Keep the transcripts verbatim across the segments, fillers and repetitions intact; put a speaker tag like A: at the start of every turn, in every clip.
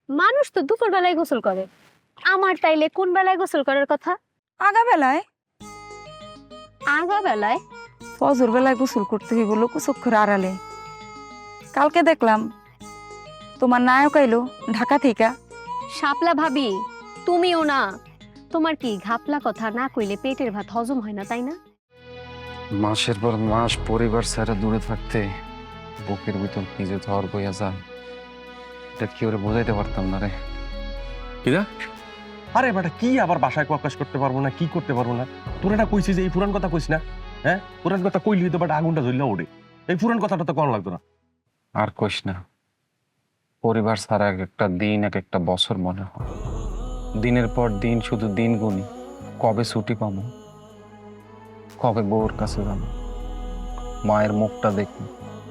A: মানুষ তো দুপুর বেলায় গোসল করে, আমার তাইলে কোন বেলায় গোসল করার কথা?
B: আগা বেলায়
A: আগা বেলায়?
B: ফজর বেলায় গোসল করতে হইব লোকচক্ষুর আড়ালে। কালকে দেখলাম তোমার নায়ক আইলো ঢাকা থেকে।
A: শাপলা ভাবি, তুমিও না? তোমার কি ঘাপলা কথা না কইলে পেটের ভাত হজম হয় না, তাই না?
C: মাসের পর মাস পরিবার ছাড়া দূরে থাকতে বুকের ভিতর নিজে ধর বইয়া যায়, এটা কি ওরে বোঝাইতে পারতাম না রে।
D: কিরা আরে বেটা কি আবার বাসায় প্রকাশ করতে পারবো না, কি করতে পারবো না? তোর এটা কইছিস যে এই পুরান কথা কইস না? হ্যাঁ, পুরান কথা কইলি হয়তো বাট আগুনটা জ্বললে ওঠে। এই পুরান কথাটা তো কোন লাগতো না।
C: আর কইস না, পরিবার ছাড়া এক একটা দিন এক একটা বছর মনে হয়। দিনের পর দিন শুধু দিন গুনি, কবে ছুটি পাবো, কবে বউর কাছে যাবো, মায়ের মুখটা দেখি,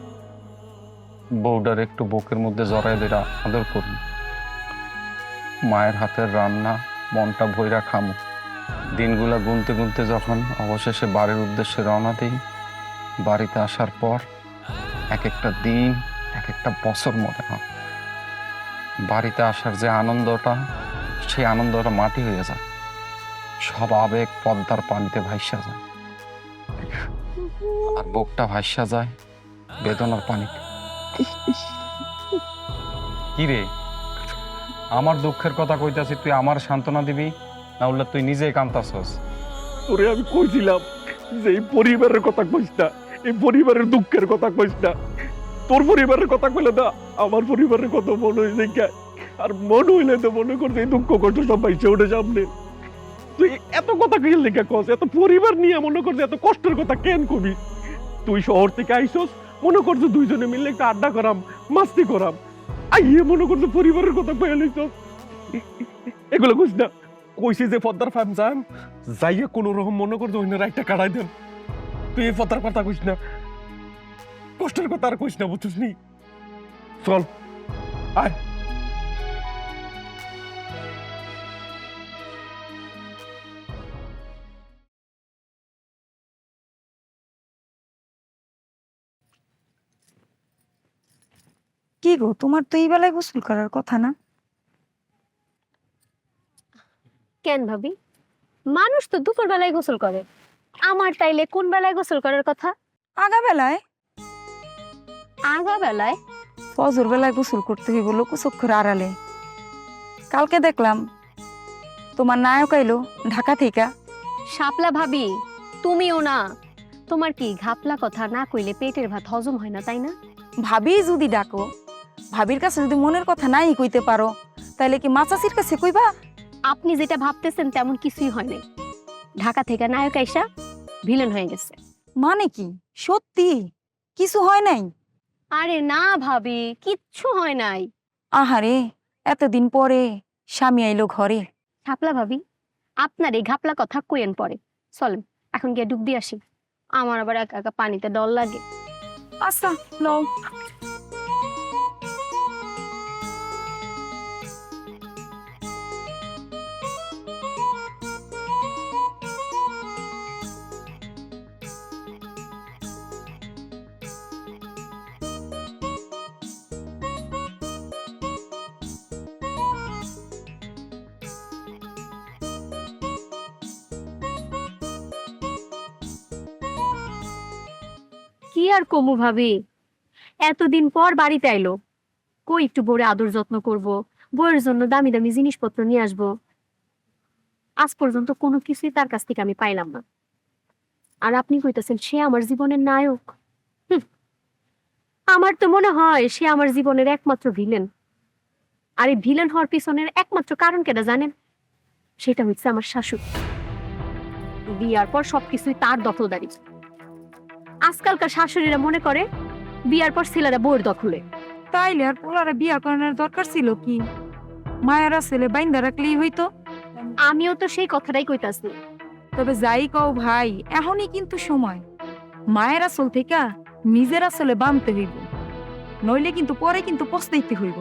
C: বউটার একটু বুকের মধ্যে জড়াই ধরে আদর করবো, মায়ের হাতের রান্না মনটা ভইরা খামো। দিনগুলা গুনতে গুনতে যখন অবশেষে বাড়ির উদ্দেশ্যে রওনা দিই, বাড়িতে আসার পর এক একটা দিন এক একটা বছর মনে হয়। বাড়িতে আসার যে আনন্দটা, সেই আনন্দটা মাটি হয়ে যায়, সব আবেগ পদ্মার পানিতে ভাইসা যায়, আর বুকটা ভাইসা যায় বেদনার পানিতে। কি রে, আমার দুঃখের কথা কইতাছি, তুই আমার সান্ত্বনা দিবি না উল্লা তুই নিজেই কান্তাছস?
D: তোরে আমি কইছিলাম যে এই পরিবারের কথা কইস না, এই পরিবারের দুঃখের কথা কইস না। তোর পরিবারের কথা কইলে না আমার পরিবারের কথা মনে হইছে কে, আর মনে হইলে তো মনে করছে এই দুঃখ কষ্ট সব পাইছে ওঠে সামনে। তুই এত কথা কি লেখা কস? এত পরিবার নিয়ে মনে করছে এত কষ্টের কথা কেন কবি? তুই শহর থেকে আইসস, মনে করছে দুইজনে মিলে একটা আড্ডা করাম, মাস্তি করাম, আইয়ে মনে করছে পরিবারের কথা কয়ে লইছস। এগুলো কইস না। কইছি যে পদ্মার ফার্ম যাম, যাইয়া কোনো রকম মনে করছে অন্য রাইটটা কাটাই দেন। তুই এই পদ্মার কথা কইস না, কষ্টের কথা আর কইস না, বুঝছিস নি? চল আয়।
B: কি গো, তোমার তো এই বেলায় গোসল করার কথা না?
A: কেন ভাবি, মানুষ তো দুপুর বেলায় গোসল করে, আমার তাইলে কোন বেলায় গোসল করার কথা?
B: আগা বেলায়
A: আগা বেলায়?
B: ফজর বেলায় গোসল করতে হইব লোকচক্ষুর আড়ালে। কালকে দেখলাম তোমার নায়ক আইলো ঢাকা থেকে।
A: শাপলা ভাবি, তুমিও না? তোমার কি ঘাপলা কথা না কইলে পেটের ভাত হজম হয় না, তাই না?
B: ভাবি যদি ডাকো, ভাবির কাছে যদি মনের কথা নাই কইতে পারো, তাইলে কি মাচাচির কাছে কইবা?
A: আপনি যেটা ভাবতেছেন তেমন কিছুই হয় নাই। ঢাকা থেকে নায়ক আইসা ভিলেন হয়ে গেছে।
B: মানে কি সত্যি কিছু হয় নাই?
A: আরে না ভাবি, কিচ্ছু হয় নাই।
B: আহারে, এতদিন পরে স্বামী আইলো ঘরে।
A: শাপলা ভাবি, আপনার এই ঘাপলা কথা কইেন পরে, চলেন এখন গিয়ে ডুব দিয়ে আসি। আমার আবার একা একা পানিতে ডর লাগে।
B: আচ্ছা লও।
A: কি আর কমু ভাবি, এতদিন পর বাড়িতে আইলো, কই একটু বউরে আদর যত্ন করব, বউয়ের জন্য দামি দামি জিনিসপত্র নিয়ে আসবো। আজ পর্যন্ত কোনো কিছুই তার কাছ থেকে আমি পাইলাম না। আর আপনি কইতেছেন সে আমার জীবনের নায়ক? হুম, আমার তো মনে হয় সে আমার জীবনের একমাত্র ভিলেন। আর এই ভিলেন হওয়ার পিছনের একমাত্র কারণ কেটা জানেন? সেটা হচ্ছে আমার শাশুড়ি। বিয়ার পর সবকিছুই তার দখলদারি। আজকালকার শাশুড়িরা মনে করে বিয়ার পর ছেলেরা বউয়ের দখলে।
B: তাইলে আর পোলারে বিয়া করানোর দরকার ছিল কি? মায়েরা ছেলে বাইন্দা রাখলেই হইতো।
A: আমিও তো সেই কথাটাই কইতাছি।
B: তবে যাই কও ভাই, এখনই কিন্তু সময়। মায়ের আসল থেকে নিজের আসলে বানতে হইব, নইলে কিন্তু পরে কিন্তু পস্তাইতে হইব।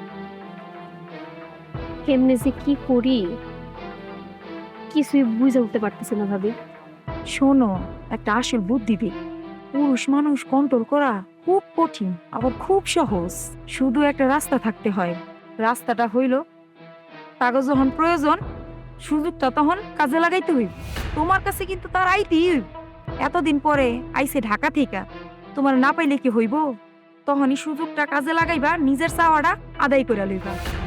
A: কেমনে যে কি করি কিছুই বুঝে উঠতে পারতেছি না ভাবি।
B: শোনো, একটা আসল বুদ্ধি দিই। পুরুষ মানুষ কন্ট্রোল করা খুব কঠিন, আবার খুব সহজ। শুধু একটা রাস্তা থাকতে হয়, রাস্তাটা হইল কাগজ যখন প্রয়োজন সুযোগটা তখন কাজে লাগাইতে হইব। তোমার কাছে কিন্তু তার আইতেই হইব। এতদিন পরে আইসে ঢাকা থেকে, তোমার না পাইলে কি হইব? তখনই সুযোগটা কাজে লাগাইবা, নিজের চাওয়াটা আদায় করে লইবা।